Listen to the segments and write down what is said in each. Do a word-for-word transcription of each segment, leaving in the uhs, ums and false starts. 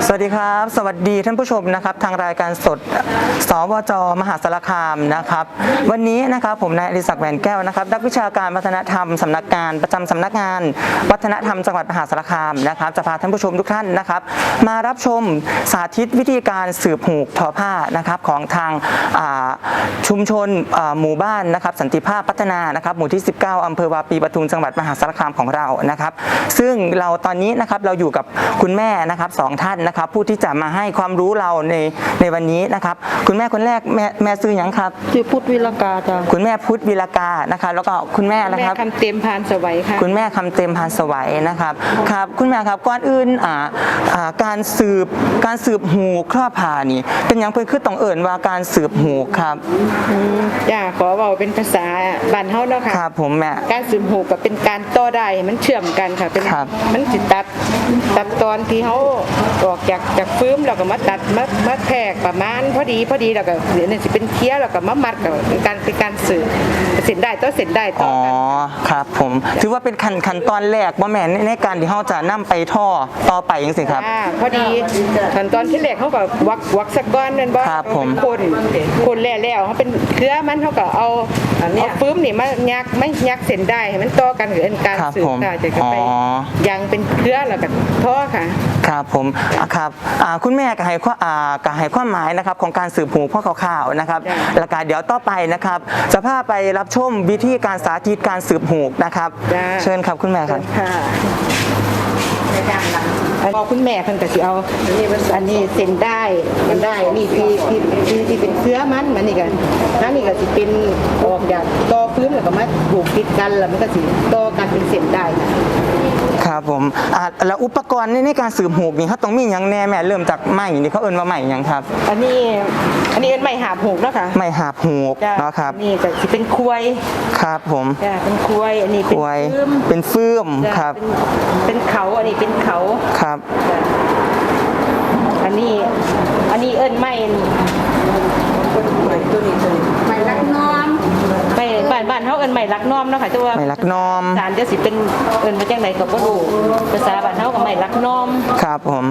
สวัสดีครับสวัสดีท่านผู้ชมนะครับทางรายการสดสวจมหาสารคามนะครับวันนี้นะครับผมนายอดิศักดิ์แหวนแก้วนะครับนักวิชาการวัฒนธรรมสำนักงานประจำสำนักงานวัฒนธรรมจังหวัดมหาสารคามนะครับจะพาท่านผู้ชมทุกท่านนะครับมารับชมสาธิตวิธีการสืบหูกทอผ้านะครับของทางชุมชนหมู่บ้านนะครับสันติภาพพัฒนานะครับหมู่ที่สิบเก้าอำเภอวาปีปทุมจังหวัดมหาสารคามของเรานะครับซึ่งเราตอนนี้นะครับเราอยู่กับคุณแม่นะครับสองท่านนะครับผู้ที่จะมาให้ความรู้เราในในวันนี้นะครับคุณแม่คนแรกแม่แม่ซื้อหยังครับชื่อพุทธวิรกาจ้ะคุณแม่พุทธวิรกานะคะแล้วก็คุณแม่นะครับแม่คำเต็มพานสวัยค่ะคุณแม่คำเต็มพานสวัยนะครับครับคุณแม่ครับก่อนอื่นอ่าอ่าการสืบการสืบหูครอบผ่านี่เป็นอย่างเพิ่นคือต้องเอิ่นว่าการสืบหูครับจ้าขอบอกเป็นภาษาบ้านเฮาเนาะค่ะครับผมแม่การสืบหูก็เป็นการต่อได้มันเชื่อมกันค่ะเป็นมันสิตัดตัดตอนที่เฮาออกจากจากฟื้มแล้วก็มาตัดมามาแทกประมาณพอดีพอดีแล้วก็เดี๋ยวนี่สิเป็นเคี้ยวแล้วก็มามัดกับการเป็นการสืบเสร็จได้ต่อเสร็จได้ต่อกันอ๋อครับผมถือว่าเป็นขั้นขั้นตอนแรกบ่แม่นในการที่เฮาจะนำไปท่อต่อไปจังซี่ครับอ่าพอดีขั้นตอนที่แรกเฮาก็วักวักสักก้อนนั่นบ่ครับผมคนคนแล้วแล้วเฮาเป็นเครือมันเฮาก็เอาเอาฟื้มนี่มายักไม่ยักเส้นได้ให้มันต่อกันเป็นการสืบค่ะจะไปยังเป็นเครือแล้วก็ท่อค่ะครับผมครับคุณแม่ก็ให้ข้อก็ให้ความหมายนะครับของการสืบหูพ่อข่าวๆนะครับแล้วก็เดี๋ยวต่อไปนะครับจะพาไปรับชมวิธีการสาธิตการสืบหูนะครับเชิญครับคุณแม่ครับพอคุณแม่เพิ่นก็สิเอาอันนี้เส้นได้มันได้นี่ที่ที่ที่เป็นเครือมันมันนี่ก็นั่นนี่ก็สิเป็นออกจากต่อพื้นแล้วก็มาผูกติดกันแล้วมันก็สิต่อกันเป็นเส้นได้ครับผมอ่าแล้วอุปกรณ์ในการสืบหูกนี่เขาต้องมีอย่างแน่แม่เริ่มจากไม้นี่เขาเอิ้นว่าไม้หยังครับอันนี้อันนี้เป็นไม้หาบหูกเนาะค่ะไม้หาบหูกเนาะครับนี่ก็สิเป็นควยครับผมจ้ะเป็นควยอันนี้เป็นฟืมเป็นฟืมครับเป็นเขาอันนี้เป็นเขาครับอันนี้อันนี้เอิ้นไม้ตัวนี้ตัวนี้ไม้ลักน้อมไม้บ้านบ้านเฮาเอิ้นไม้ลักน้อมเนาะค่ะแต่ว่าไม้ลักน้อมศาลจะสิเป็นเอิ้นมาจังได๋ก็บ่รู้ภาษาบ้านเฮาก็ไม้ลักน้อมครับผม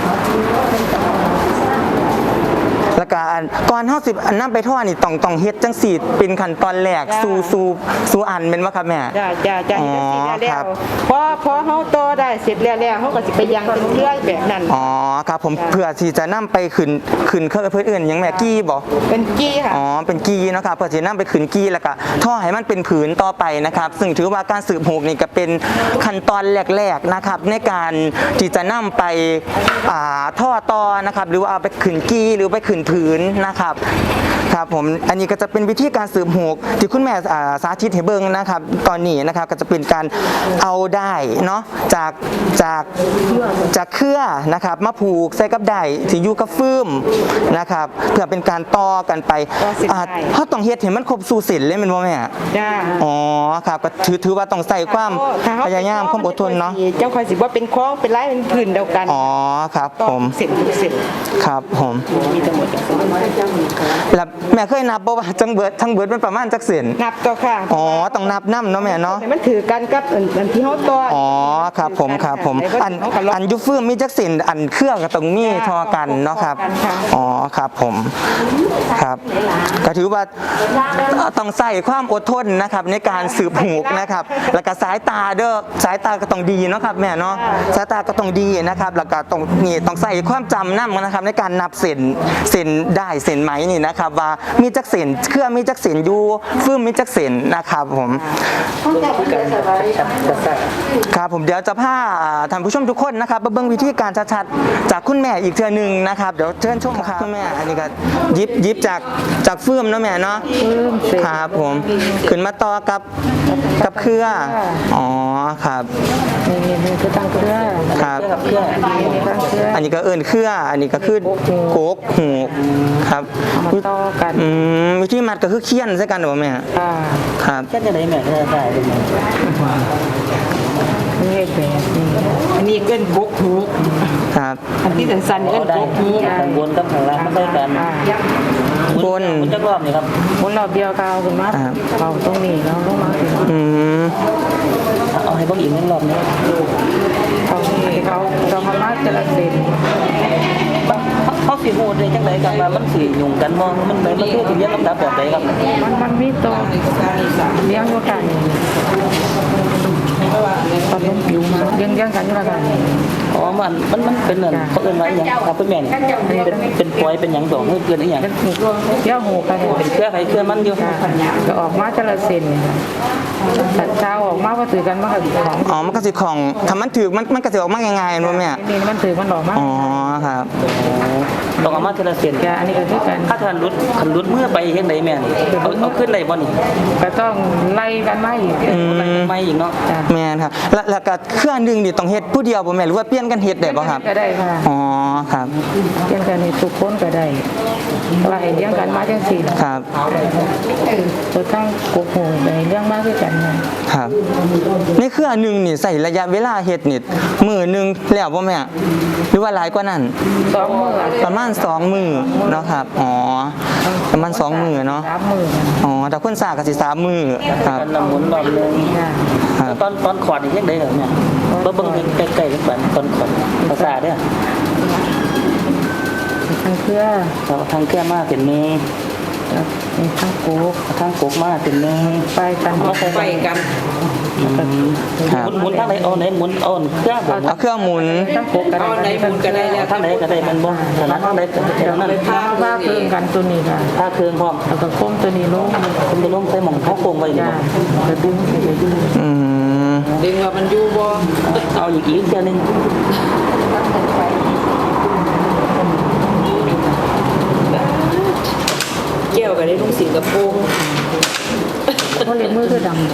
แล้วก็ก่อนเฮาสินำไปทอดนี่ต้องต้องเฮ็ดจังซี่เป็นขั้นตอนแรกสู่สู่สู่อันแม่นบ่ครับแม่จ้ะๆๆเฮ็ดจังซี่แล้วพอพอเฮาต่อได้เสร็จแล้วแล้วเฮาก็สิไปยังเป็นเครือแบบนั้นอ๋อครับผมเพื่อที่จะนำไปขึ้นขึ้นเครื่องเพิ่นอื่นหยังแม่กี้บ่เป็นกี้ค่ะอ๋อเป็นกี้เนาะครับเพื่อสินำไปขึ้นกี้แล้วก็ท่อให้มันเป็นผืนต่อไปนะครับซึ่งถือว่าการสืบหูกนี่ก็เป็นขั้นตอนแรกๆนะครับในการที่จะนำไปอ่าท่อต่อนะครับหรือว่าเอาไปขึ้นกี้หรือไปขึ้นผืนนะครับครับผมอันนี้ก็จะเป็นวิธีการสืบหูกที่คุณแม่สาธิตให้เบิ่งนะครับตอนนี้นะครับก็จะเป็นการเอาได้เนาะจากจากจากเครือนะครับมาผูกใส่กับได้ที่อยู่กับฟืมนะครับเพื่อเป็นการต่อกันไปเขาต้องเฮ็ดให้มันครบสู่เส้นเลยแม่นบ่แม่จ้าอ๋อครับก็ถือถือว่าต้องใส่ความพยายามความอดทนเนาะเจ้าค่อยสิบ่เป็นคล้องเป็นลายเป็นพื้นเดียวกันอ๋อครับผมเส้นเส้นครับผมมีทั้งหมดแล้วแม่เคยนับบ่ว่าจังเบิดทั้งเบิดมันประมาณจักเส้นนับต่อค่ะอ๋อต้องนับนำเนาะแม่เนาะมันถือกันกับอันที่เฮาต่ออ๋อครับผมครับผมอันอันยุฟืมมีจักเส้นอันเครื่องก็ต้องมีเท่ากันเนาะครับอ๋อครับผมครับก็ถือว่าต้องใส่ความอดทนนะครับในการสืบหูกนะครับแล้วก็สายตาเด้อสายตาก็ต้องดีเนาะครับแม่เนาะสายตาก็ต้องดีนะครับแล้วก็ต้องนี่ต้องใส่ความจำนำนะครับในการนับเส้นเส้นได้เส้นไหมนี่นะครับว่ามีจักเส้นเครื่องมีจักเส้นอยู่ฟืมมีจักเส้นนะครับผมครับผมเดี๋ยวจะพาท่านผู้ชมทุกคนนะครับมาเบิ่งวิธีการชัดๆจากคุณแม่อีกเทื่อนึงนะครับเดี๋ยวเชิญชมครับคุณแม่อันนี้ก็ยิบยิบจากจากฟืมเนาะแม่เนาะครับผมขึ้นมาต่อกับกับเครืออ๋อครับนี่นี่คือตั้งเครือครับอันนี้ก็เอิ้นเครืออันนี้ก็คือโกกหูครับต่อกันอืมวิธีมัดก็คือเคี่ยนใส่กันบ่แม่ครับเคี่ยนจังได๋แม่ก็ได้นี่แบบนี้อันนี้เอิ้นบกหูครับอันที่สั้นๆเอิ้นบกหูข้างบนกับข้างล่างมันใส่กันบนมันจะรอบนี่ครับบนรอบเดียวกาวขึ้นมาเอาตรงนี้แล้วลงมาอืมเอาให้เบิ่งอีกนึงรอบนี้เอาให้เขาเรามามาแต่ละเส้นสิโหดได้จังไดกันว่ามันสิยุ่งกันบ่มันมันมันคือสิเรียนลำดับแบบใดครับมันมันมีตัวเลี้ยงอยู่กันตอนล้มผิวมาเลี้ยงเลี้ยงกันอยู่แล้วกันอ๋อมันมันมันเป็นเหมือนเขาเอิ้นว่าอหยังครับคุณแม่นี่เป็นเป็นปอยเป็นหยังดอกเพื่อนอีหยังเป็นหูเลี้ยงหูกันเป็นเครือไผเครือมันอยู่ก็ออกมาจะละเซนแต่เช้าออกมาว่าถือกันมากับของอ๋อมันก็สิของถ้ามันถือมันมันก็สิออกมาง่ายๆบ่แม่นี่มันถือมันออกมาอ๋อครับต้องเอามาทีละเส้นแกอันนี้ก็คือกันถ้าทันรุดคันรุดเมื่อไปเฮ็ดไดแม่นี่เอาเอาขึ้นได้บ่นี่ก็ต้องไล่กันมาอีกอะไรไม่อีกเนาะแม่นครับแล้วแล้วก็เครื่องนึงนี่ต้องเฮ็ดผู้เดียวบ่แม่หรือว่าเปลี่ยนกันเฮ็ดได้บ่ครับก็ได้ค่ะอ๋อครับเลี้ยงกันในทุกคนก็ได้เพราะว่าให้เลี้ยงกันมาจังสี่ครับตัวทั้งกุกหูไปให้เลี้ยงมาคือกันนะครับในเครื่องนึงนี่ใส่ระยะเวลาเฮ็ดนี่มื้อนึงแล้วบ่แม่หรือว่าหลายกว่านั้นสองมือประมาณสองมื้อเนาะครับอ๋อประมาณสองมื้อเนาะสามมืออ๋อแต่คนสร้างก็สิสามมื้อครับกันละหมุนรอบนึงค่ะครับตอนตอนขอดนี่เฮ็ดได้เหรอเนี่ยบ่เบิ่งใกล้ๆกันตอนขอดภาษาเด้อทั้งเครือเราทางเครือมาเป็นนึงมีทั้งกุกทางกกมาเป็นนึงไปกันไปกันครับหมุนทางไหนเอาไหนหมุนเอาเครื่องบ่เอาเครื่องหมุนทั้งกุกกันเอาไหนหมุนก็ได้แล้วทางไหนก็ได้มันบ่ถนัดทางไหนก็ได้ทางนั้นผ้าผ้าเครื่องกันตัวนี้ค่ะถ้าเครื่องพร้อมแล้วก็โค้งตัวนี้ลงคุณจะลงใส่หม่องเขาโคงไว้นี่จ้าบ่กระดึงไปกระดึงอืมดึงว่ามันอยู่บ่เอาอีกอีกเทื่อนึงแก้วก็ได้ลุงสิงคโปร์เพราะเล็บมือคือดำเลย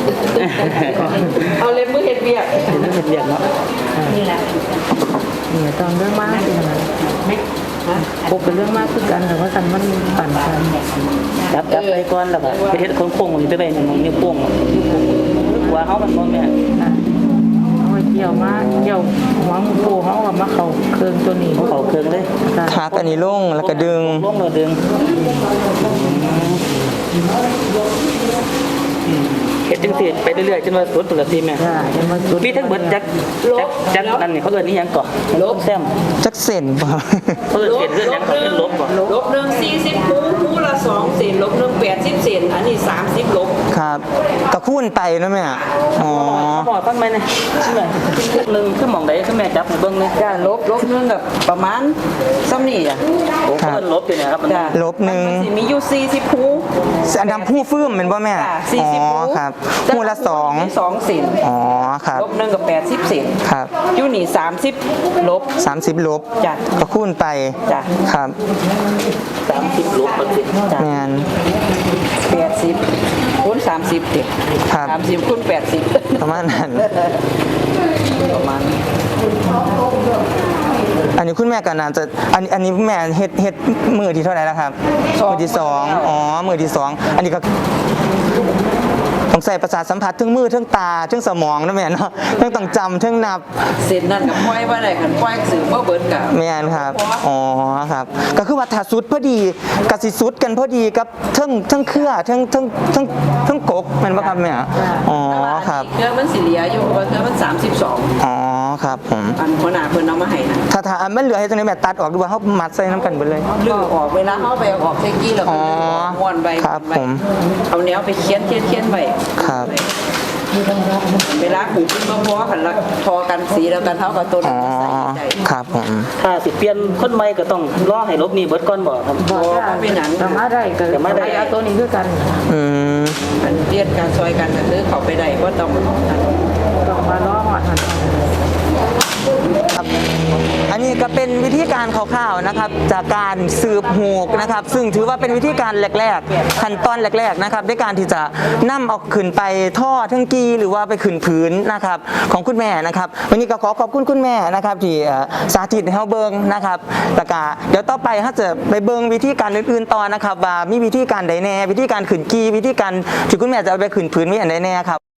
เอาเล็บมือเฮ็ดเวียกเห็นเห็นเรียกเนาะนี่แหละนี่ตอนเรื่องมากเป็นอะไรกุกเป็นเรื่องมากคือกันแต่ว่ากันมันปั่นกันจับจับไปก่อนแล้วก็ไปเฮ็ดโค้งๆนี่ไปไว้ในหม่องนิ้วโป้งหัวเฮามันบ่แม่เอาไว้เกี่ยวมาเกี่ยวหัวมือปูเขากับมาเขาเครื่องตัวนี้เขาเครื่องเลยขากันนี่ลงแล้วก็ดึงลงแล้วดึงเฮ็ดจังซี่ไปเรื่อยๆจนว่าสุดปกติแม่จ้าจะมาจุดมีทั้งเบิดจักจักจักนั่นนี่เขาเอิ้นอีหยังก่อลบแซมจักเส้นบ่เขาเอิ้นเสียนเอิ้นหยังเขาเอิ้นลบบ่ลบหนึ่งสี่สิบคูคูละสองเศษลบหนึ่งแปดสิบเศษอันนี้สามสิบลบครับก็คูณไปเนาะแม่อ๋อเขาบอกฟังไหมเนี่ยชื่ออะไรหนึ่งคือหม่องใดคือแม่จับให้เบิ่งเลยจ้าลบลบหนึ่งกับประมาณซ้ำนี่จ้ะโอ้เขาเอิ้นลบอยู่เนี่ยครับมันจ้าลบหนึ่งมัสิมีอยู่สี่สิบคูอันทำผู้ฟื้มเป็นบ่แม่จ้าสี่อ๋สิบอคูครับคู่ละสองสองเศษอ๋อครับลบหนึ่งกับแปดสิบเศษครับอยู่นี่สามสิบลบสามสิบลบจ้ะก็คูณไปจ้ะครับสามสิบลบมันสิแม่นแปดสิบคูณสามสิบเด็กครับสามสิบคูณแปดสิบประมาณนั้นประมาณอันนี้คุณแม่ก็น่าจะอันนี้อันนี้แม่เฮ็ดเฮ็ดมือที่เท่าไหร่แล้วครับมือที่สองอ๋อมือที่สองอันนี้ก็ต้องใส่ประสาทสัมผัสทั้งมือทั้งตาทั้งสมองนะแม่เนาะทั้งต้องจำทั้งนับเสร็จนั่นกับป้อยว่าได้กันป้อยสื่อว่าเบิร์ดกับแม่นครับ อ๋อครับ ก็คือว่าถ้าสุดพอดีกสิสุดกันพอดีกับเทั้งเทั้งเครือเทั้งเทั้งเทั้งเทั้งกกแม่นบ่ครับแม่อ๋อครับเครื่องมันสิเหลียอยู่เพราะเครื่องมันสามสิบสองอ๋อครับผมอันหัวหน้าเพิ่นเอามาให้นะถ้าถ้าอันมันเหลือให้ตรงนี้แม่ตัดออกดูว่าเฮามัดใส่น้ำกันเบิดเลยลือออกเวลาเขาไปเอาออกเซกี้แล้วก็อ๋อม้วนใบครับม้วนใผมเอาแนวไปเขียนเขียนเขียนไว้ครับเวลาขูดขึ้นมาพอกันละทอกันสีแล้วกันเท่ากับตัวอ๋นั้นอมาใส่ใจครับผมถ้าสิเปลี่ยนคนใหม่ก็ต้องรอให้ลบนี่เบิดก่อนบ่ครับบอกว่าสามารถได้ก็สามารถเอาตัวนี้คือกันอืมมันเรียนการซอยกันก็คือเขาไปได้ว่าต้องต้องมาล้อหอดหันครับอันนี้ก็เป็นวิธีการคร่าวๆนะครับ จากการสืบหูกนะครับ ซึ่งถือว่าเป็นวิธีการแรกๆขั้นตอนแรกๆนะครับในการที่จะนำเอาขึ้นไปท่อทั้งกีหรือว่าไปขึ้นพื้นนะครับของคุณแม่นะครับ วันนี้ก็ขอขอบคุณคุณแม่นะครับที่เอ่อสาธิตให้เราเบิ่งนะครับแล้วก็เดี๋ยวต่อไปถ้าจะไปเบิ่งวิธีการอื่นๆต่อนะครับว่ามีวิธีการใดแน่วิธีการขึ้นกีวิธีการที่คุณแม่จะเอาไปขึ้นพื้นมีอันใดแน่ครับ